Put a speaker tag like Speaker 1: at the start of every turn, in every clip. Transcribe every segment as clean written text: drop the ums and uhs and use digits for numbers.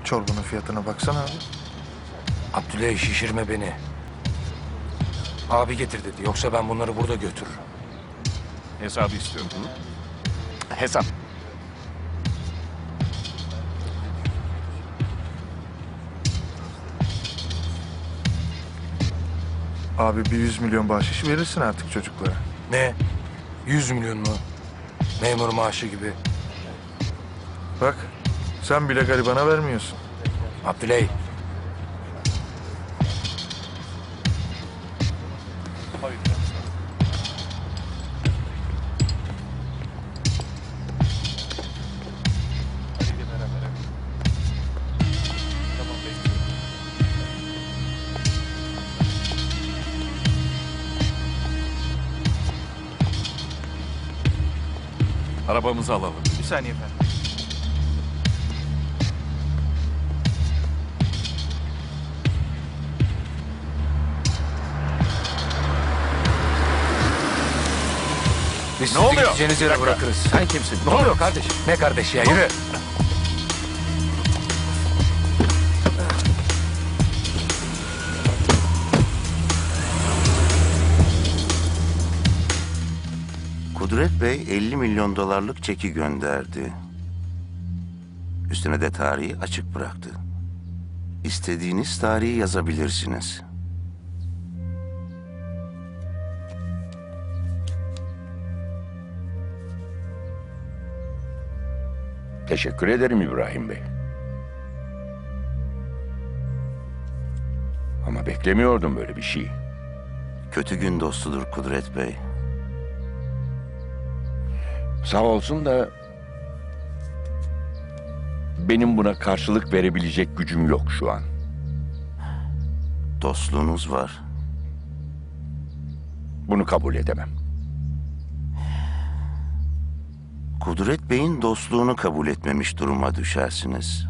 Speaker 1: çorbanın fiyatına baksana abi.
Speaker 2: Abdüley şişirme beni. Abi getir dedi. Yoksa ben bunları burada götürürüm.
Speaker 3: Hesabı istiyorum. Hesap.
Speaker 1: Abi bir 100 milyon bahşiş verirsin artık çocuklara.
Speaker 2: Ne? 100 milyon mu? Memur maaşı gibi.
Speaker 1: Bak sen bile garibana vermiyorsun.
Speaker 2: Abdüley.
Speaker 3: Arabamızı alalım.
Speaker 1: Bir saniye efendim.
Speaker 2: Biz
Speaker 3: Ne
Speaker 2: sizi
Speaker 3: oluyor?
Speaker 2: gideceğiniz yere bırakırız.
Speaker 3: Sen kimsin?
Speaker 2: Ne oluyor kardeş? Ne kardeş ya? Yürü.
Speaker 4: Kudret Bey 50 milyon dolarlık çeki gönderdi. Üstüne de tarihi açık bıraktı. İstediğiniz tarihi yazabilirsiniz.
Speaker 5: Teşekkür ederim İbrahim Bey. Ama beklemiyordum böyle bir şey.
Speaker 4: Kötü gün dostudur Kudret Bey.
Speaker 5: Sağ olsun da benim buna karşılık verebilecek gücüm yok şu an.
Speaker 4: Dostluğunuz var.
Speaker 5: Bunu kabul edemem.
Speaker 4: Kudret Bey'in dostluğunu kabul etmemiş duruma düşersiniz.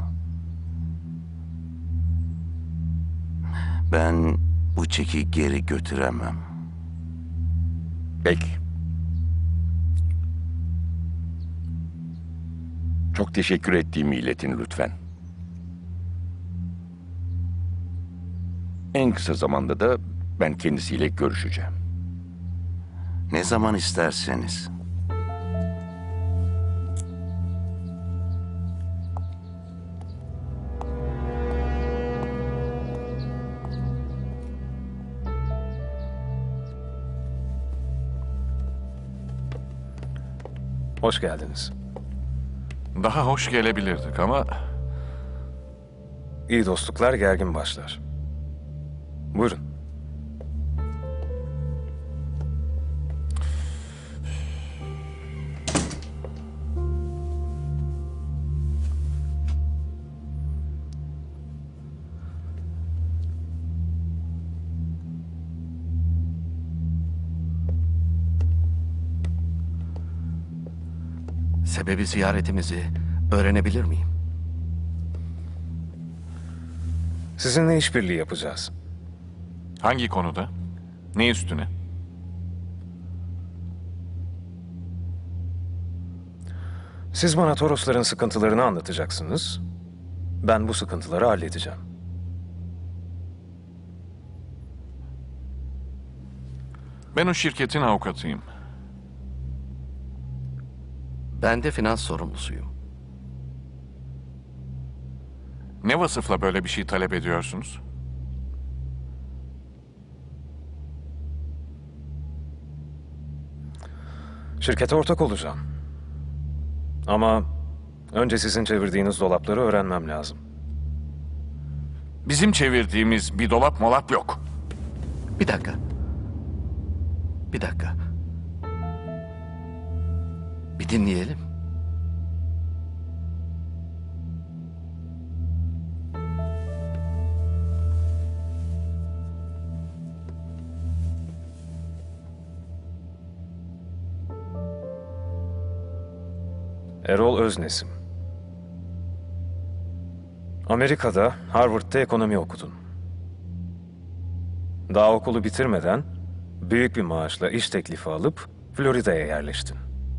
Speaker 4: Ben bu çeki geri götüremem.
Speaker 5: Peki. Çok teşekkür ettiğimi iletin lütfen. En kısa zamanda da ben kendisiyle görüşeceğim.
Speaker 4: Ne zaman isterseniz.
Speaker 6: Hoş geldiniz.
Speaker 3: Daha hoş gelebilirdik ama
Speaker 6: İyi dostluklar gergin başlar. Buyurun.
Speaker 7: Sebebi ziyaretimizi öğrenebilir miyim?
Speaker 6: Sizinle işbirliği yapacağız.
Speaker 3: hangi konuda? Ne üstüne?
Speaker 6: Siz bana Torosların sıkıntılarını anlatacaksınız. Ben bu sıkıntıları halledeceğim.
Speaker 3: Ben o şirketin avukatıyım.
Speaker 7: Ben de finans sorumlusuyum.
Speaker 3: Ne vasıfla böyle bir şey talep ediyorsunuz?
Speaker 6: Şirkete ortak olacağım. Ama önce sizin çevirdiğiniz dolapları öğrenmem lazım.
Speaker 3: Bizim çevirdiğimiz bir dolap molap yok.
Speaker 7: Bir dakika. Bir dakika. Bir dinleyelim.
Speaker 6: Erol Öznesim. Amerika'da, Harvard'da ekonomi okudun. Daha okulu bitirmeden büyük bir maaşla iş teklifi alıp Florida'ya yerleştin.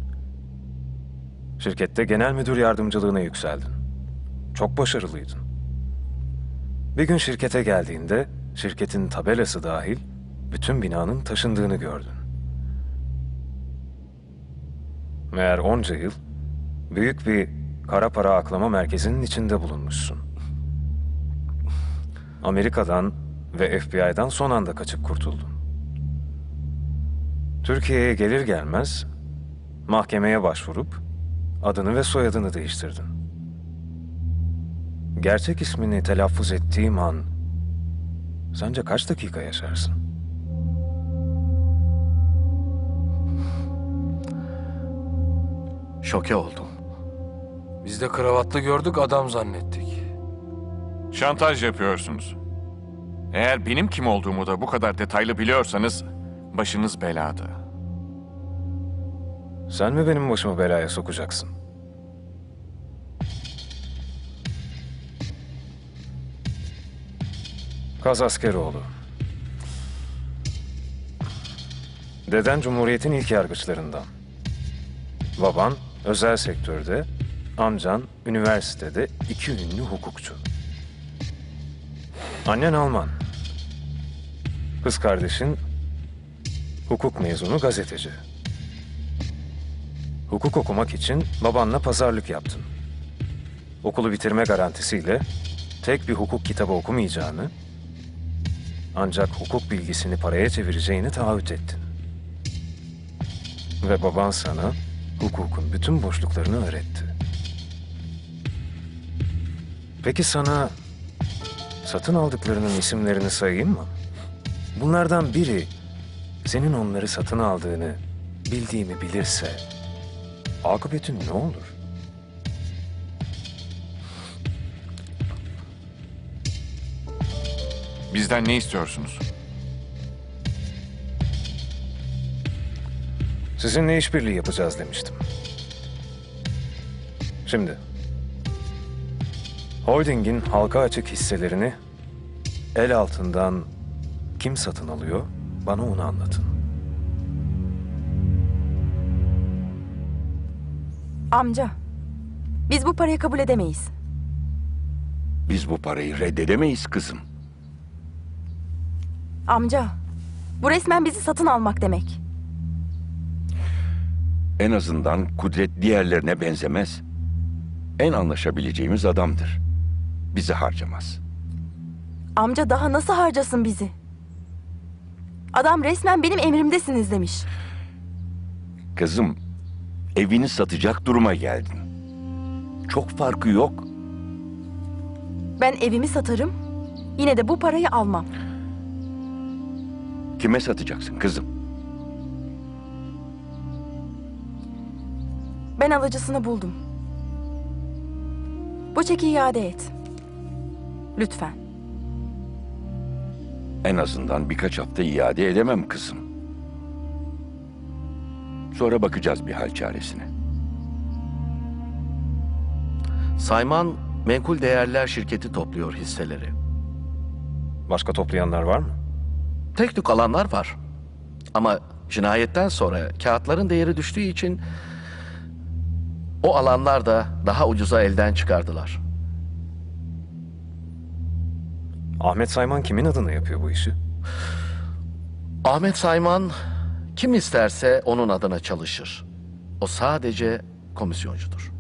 Speaker 6: Şirkette genel müdür yardımcılığına yükseldin. Çok başarılıydın. Bir gün şirkete geldiğinde şirketin tabelası dahil bütün binanın taşındığını gördün. Meğer onca yıl büyük bir kara para aklama merkezinin içinde bulunmuşsun. Amerika'dan ve FBI'dan son anda kaçıp kurtuldun. Türkiye'ye gelir gelmez mahkemeye başvurup adını ve soyadını değiştirdin. Gerçek ismini telaffuz ettiğim an sence kaç dakika yaşarsın?
Speaker 7: Şoke oldum.
Speaker 2: Biz de kravatlı gördük, adam zannettik.
Speaker 3: Şantaj yapıyorsunuz. Eğer benim kim olduğumu da bu kadar detaylı biliyorsanız başınız belada.
Speaker 6: Sen mi benim başımı belaya sokacaksın? Kaz Askeroğlu. Deden Cumhuriyet'in ilk yargıçlarından. Baban özel sektörde, amcan üniversitede iki ünlü hukukçu. Annen Alman. Kız kardeşin hukuk mezunu gazeteci. Hukuk okumak için babanla pazarlık yaptın. Okulu bitirme garantisiyle tek bir hukuk kitabı okumayacağını, ancak hukuk bilgisini paraya çevireceğini taahhüt ettin. Ve baban sana hukukun bütün boşluklarını öğretti. Peki sana satın aldıklarının isimlerini sayayım mı? Bunlardan biri senin onları satın aldığını bildiğimi bilirse akıbetin ne olur?
Speaker 3: Bizden ne istiyorsunuz?
Speaker 6: Sizinle işbirliği yapacağız demiştim. Şimdi, holdingin halka açık hisselerini el altından kim satın alıyor? Bana onu anlatın.
Speaker 8: Amca, biz bu parayı kabul edemeyiz.
Speaker 5: Biz bu parayı reddedemeyiz kızım.
Speaker 8: Amca, bu resmen bizi satın almak demek.
Speaker 5: En azından Kudret diğerlerine benzemez. En anlaşabileceğimiz adamdır. Bizi harcamaz.
Speaker 8: Amca daha nasıl harcasın bizi? Adam resmen benim emrimdesiniz demiş.
Speaker 5: Kızım, evini satacak duruma geldin. Çok farkı yok.
Speaker 8: Ben evimi satarım, yine de bu parayı almam.
Speaker 5: Kime satacaksın kızım?
Speaker 8: Ben alıcısını buldum. Bu çeki iade et. Lütfen.
Speaker 5: En azından birkaç hafta iade edemem kızım. Sonra bakacağız bir hal çaresine.
Speaker 7: Sayman Menkul Değerler Şirketi topluyor hisseleri.
Speaker 6: Başka toplayanlar var mı?
Speaker 7: Tek tük alanlar var. Ama cinayetten sonra kağıtların değeri düştüğü için o alanlar da daha ucuza elden çıkardılar.
Speaker 6: Ahmet Sayman kimin adına yapıyor bu işi?
Speaker 7: Ahmet Sayman kim isterse onun adına çalışır. O sadece komisyoncudur.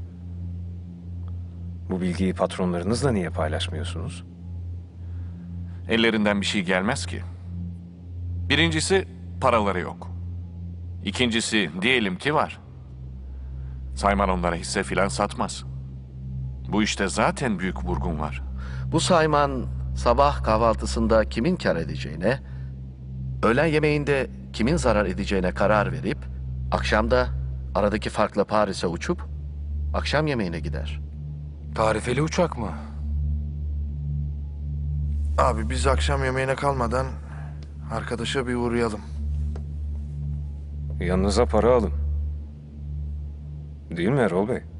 Speaker 6: Bu bilgiyi patronlarınızla niye paylaşmıyorsunuz?
Speaker 3: Ellerinden bir şey gelmez ki. Birincisi paraları yok. İkincisi diyelim ki var. Sayman onlara hisse filan satmaz. Bu işte zaten büyük vurgun var.
Speaker 7: Bu Sayman sabah kahvaltısında kimin kar edeceğine, öğlen yemeğinde kimin zarar edeceğine karar verip, akşamda aradaki farkla Paris'e uçup akşam yemeğine gider.
Speaker 2: Tarifeli uçak mı?
Speaker 1: Abi biz akşam yemeğine kalmadan arkadaşa bir uğrayalım.
Speaker 6: Yanınıza para alın. Değil mi Erol Bey?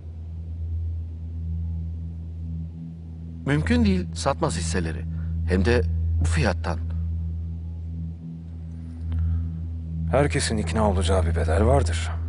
Speaker 7: Mümkün değil, satmaz hisseleri. Hem de bu fiyattan.
Speaker 6: Herkesin ikna olacağı bir bedel vardır.